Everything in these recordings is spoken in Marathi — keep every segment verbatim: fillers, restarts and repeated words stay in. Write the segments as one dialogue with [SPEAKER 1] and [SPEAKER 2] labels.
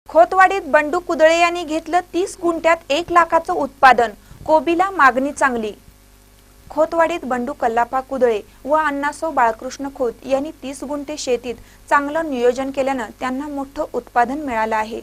[SPEAKER 1] खोतवाडीत बंडू कुदळे यांनी घेतलं तीस गुंठ्यात एक लाखाचं उत्पादन, कोबीला मागणी चांगली। खोतवाडीत बंडू कल्लापा कुदळे व अण्णासो बाळकृष्ण खोत यांनी तीस गुंठे शेतीत चांगलं नियोजन केल्यानं त्यांना मोठं उत्पादन मिळालं आहे।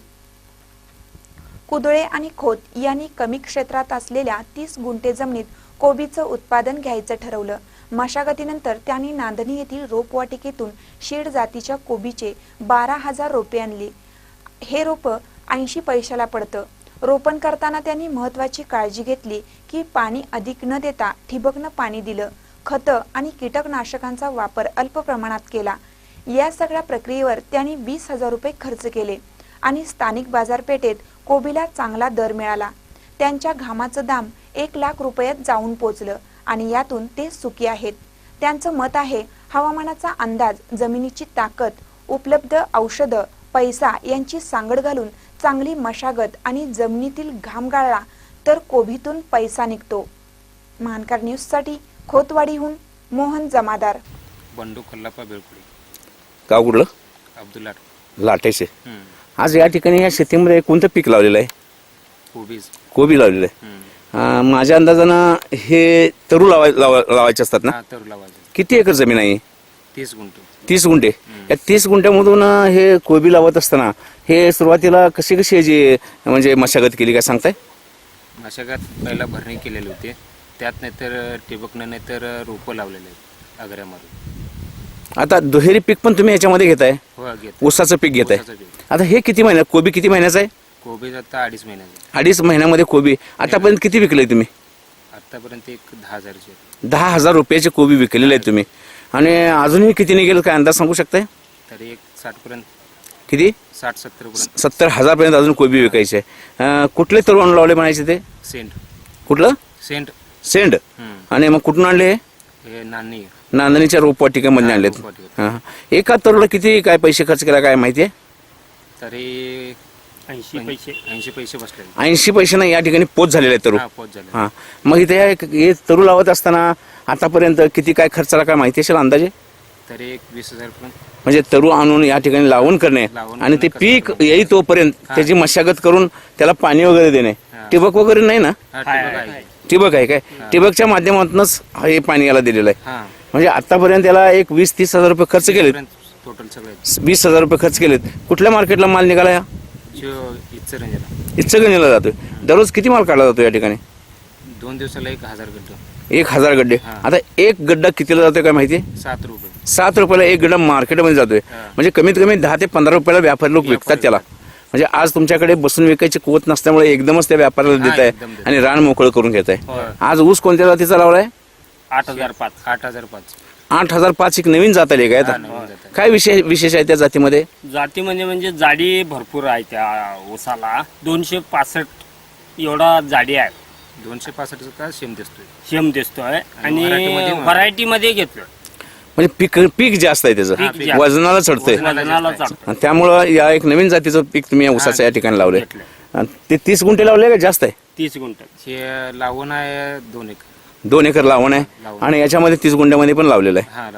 [SPEAKER 1] कुदळे आणि खोत यांनी कमी क्षेत्रात असलेल्या तीस गुंठे जमिनीत कोबीचं उत्पादन घ्यायचं ठरवलं। मशागतीनंतर त्यांनी नांदणी येथील रोपवाटिकेतून शीड जातीच्या कोबीचे बारा हजार रोपे आणली। हे रोप ऐंशी पैशाला पडतं। रोपण करताना त्यांनी महत्त्वाची काळजी घेतली की पाणी अधिक न देता ठिबकनं पाणी दिलं, खतं आणि कीटकनाशकांचा वापर अल्प प्रमाणात केला। या सगळ्या प्रक्रियेवर त्यांनी वीस हजार रुपये खर्च केले आणि स्थानिक बाजारपेठेत कोबीला चांगला दर मिळाला। त्यांच्या घामाचं दाम एक लाख रुपयात जाऊन पोचलं आणि यातून ते सुखी आहेत। त्यांचं मत आहे, हवामानाचा अंदाज, जमिनीची ताकद, उपलब्ध औषधं, पैसा यांची सांगड घालून चांगली मशागत आणि जमिनीतील घाम गाळला तर कोबीतून पैसा निघतो। महानकर न्यूज साठी खोतवाडीहून मोहन जमादार।
[SPEAKER 2] बंडू कल्लापा बेळकुडी।
[SPEAKER 3] गाव कुठलं?
[SPEAKER 2] अब्दुल्ला
[SPEAKER 3] लाटेचे। आज या ठिकाणी या शेतीमध्ये कोणतं पीक लावलेलं आहे?
[SPEAKER 2] कोबीज।
[SPEAKER 3] कोबी लावलेलं आहे। माझ्या अंदाजानं हे तरू लावाय लावायचे असतात ना?
[SPEAKER 2] हा, तरू लावायचे।
[SPEAKER 3] किती एकर जमीन आहे?
[SPEAKER 2] तीस गुंठे।
[SPEAKER 3] तीस गुंठे। या तीस गुंठ्यामधून हे कोबी लावत असताना हे सुरुवातीला कशी कशी याची म्हणजे मशागत केली काय सांगताय?
[SPEAKER 2] मशागत पहिला भरणी केलेली होती, त्यात नाहीतर ठिबकनं नाहीतर रोपं लावलेले आहेत आग्र्यामध्ये।
[SPEAKER 3] आता दुहेरी पीक पण तुम्ही याच्यामध्ये घेताय?
[SPEAKER 2] हो, घेत।
[SPEAKER 3] ऊसाचं पीक घेताय।
[SPEAKER 2] ऊसाचं पीक।
[SPEAKER 3] आता हे किती महिन्यात कोबी किती महिन्याचं आहे?
[SPEAKER 2] कोबीज आता अडीच महिन्याचे।
[SPEAKER 3] अडीच महिन्यामध्ये कोबी आतापर्यंत किती विकले तुम्ही?
[SPEAKER 2] आतापर्यंत एक दहा हजारचे
[SPEAKER 3] दहा हजार रुपयाचे कोबी विकलेले आहेत तुम्ही आणि अजूनही किती निघेल काय अंदाज सांगू शकताय?
[SPEAKER 2] तरी एक साठ पर्यंत,
[SPEAKER 3] किती?
[SPEAKER 2] साठ सत्तर पर्यंत।
[SPEAKER 3] सत्तर हजार पर्यंत अजून कोबी विकायचे। कुठले तरुण लावले म्हणायचे ते?
[SPEAKER 2] सेंट।
[SPEAKER 3] कुठलं?
[SPEAKER 2] सेंट।
[SPEAKER 3] सेंड। आणि मग कुठून आणले?
[SPEAKER 2] हे नानी
[SPEAKER 3] नांदणीच्या रोपवाटिकेमध्ये आणलेत।
[SPEAKER 2] रोपवाटिकेत।
[SPEAKER 3] हा, एका तरुला किती काय पैसे खर्च केला काय माहिती आहे?
[SPEAKER 2] तरी ऐंशी पैसे ऐंशी पैसे बसले।
[SPEAKER 3] ऐंशी पैसे नाही, या ठिकाणी पोच झालेला आहे तरू।
[SPEAKER 2] हा, पोच झाले।
[SPEAKER 3] हा, मग इथे हे तरू लावत असताना आतापर्यंत किती काय खर्चाला काय माहिती असेल अंदाजे?
[SPEAKER 2] तरी एक वीस हजार पर्यंत।
[SPEAKER 3] म्हणजे तरू आणून या ठिकाणी लावून करणे
[SPEAKER 2] लावून
[SPEAKER 3] आणि ते
[SPEAKER 2] कसं
[SPEAKER 3] पीक
[SPEAKER 2] करणं?
[SPEAKER 3] येई तोपर्यंत त्याची मशागत करून त्याला पाणी वगैरे देणे।
[SPEAKER 2] हा.
[SPEAKER 3] ठिबक वगैरे नाही ना?
[SPEAKER 2] हा, ठिबक आहे।
[SPEAKER 3] ठिबक आहे काय? ठिबकच्या माध्यमातूनच हे पाणी याला दिलेलं आहे।
[SPEAKER 2] हा,
[SPEAKER 3] म्हणजे आतापर्यंत याला एक वीस तीस हजार रुपये खर्च केलेत।
[SPEAKER 2] टोटल सगळे
[SPEAKER 3] वीस हजार रुपये खर्च केलेत। कुठल्या मार्केटला माल निघाला? या
[SPEAKER 2] जो इचरंजीला
[SPEAKER 3] इचलकरंजीला जातोय। दररोज किती माल काढला जातो या ठिकाणी?
[SPEAKER 2] दोन दिवसाला एक हजार गड्ड।
[SPEAKER 3] एक हजार गड्डे।
[SPEAKER 2] हा.
[SPEAKER 3] आता एक गड्डा कितीला जातोय काय माहिती?
[SPEAKER 2] सात रुपये।
[SPEAKER 3] सात रुपयाला एक गड्डा मार्केटमध्ये जातोय।
[SPEAKER 2] हा.
[SPEAKER 3] म्हणजे कमीत कमी दहा ते पंधरा रुपयाला व्यापारी लोक
[SPEAKER 2] व्यापारी
[SPEAKER 3] विकतात त्याला। म्हणजे आज तुमच्याकडे बसून विकायची कुवत नसल्यामुळे एकदमच त्या व्यापाऱ्याला
[SPEAKER 2] हा,
[SPEAKER 3] देत आहे
[SPEAKER 2] एकदम देत.
[SPEAKER 3] आणि रान मोकळं करून घेत आहे।
[SPEAKER 2] होय।
[SPEAKER 3] आज ऊस कोणत्या जातीचा लावलाय?
[SPEAKER 2] आठ हजार पाच आठ हजार पाच
[SPEAKER 3] आठ हजार पाच एक नवीन जात आली काय
[SPEAKER 2] हा,
[SPEAKER 3] आता?
[SPEAKER 2] नवीन जात आहे.
[SPEAKER 3] काय विशेष विशेष आहे त्या जातीमध्ये?
[SPEAKER 4] जाती म्हणजे म्हणजे जाडी भरपूर आहे त्या ऊसाला। दोनशे पासष्ट एवढा जाडी आहे,
[SPEAKER 2] दोनशे पासष्टचा शेम दिसतोय।
[SPEAKER 4] शेम दिसतोय आणि
[SPEAKER 2] व्हरायटीमध्ये
[SPEAKER 4] व्हरायटी मध्ये घेतलं
[SPEAKER 3] म्हणजे पीक पीक जास्त आहे त्याचं,
[SPEAKER 4] पीक जास्त.
[SPEAKER 3] वजनाला चढतंय।
[SPEAKER 4] वजनाला चालतं.
[SPEAKER 3] आणि त्यामुळं या एक नवीन जातीचं पीक तुम्ही या ऊसाचं या ठिकाणी लावलंय।
[SPEAKER 4] घेतलं.
[SPEAKER 3] आणि ते तीस गुंठे लावले का जास्त आहे?
[SPEAKER 4] तीस गुंठ
[SPEAKER 2] हे लावून आहे दोन एक
[SPEAKER 3] दोन एकर लावण आहे
[SPEAKER 2] लावण.
[SPEAKER 3] आणि याच्यामध्ये तीस गुंठ्यामध्ये पण लावलेलं आहे।
[SPEAKER 2] हा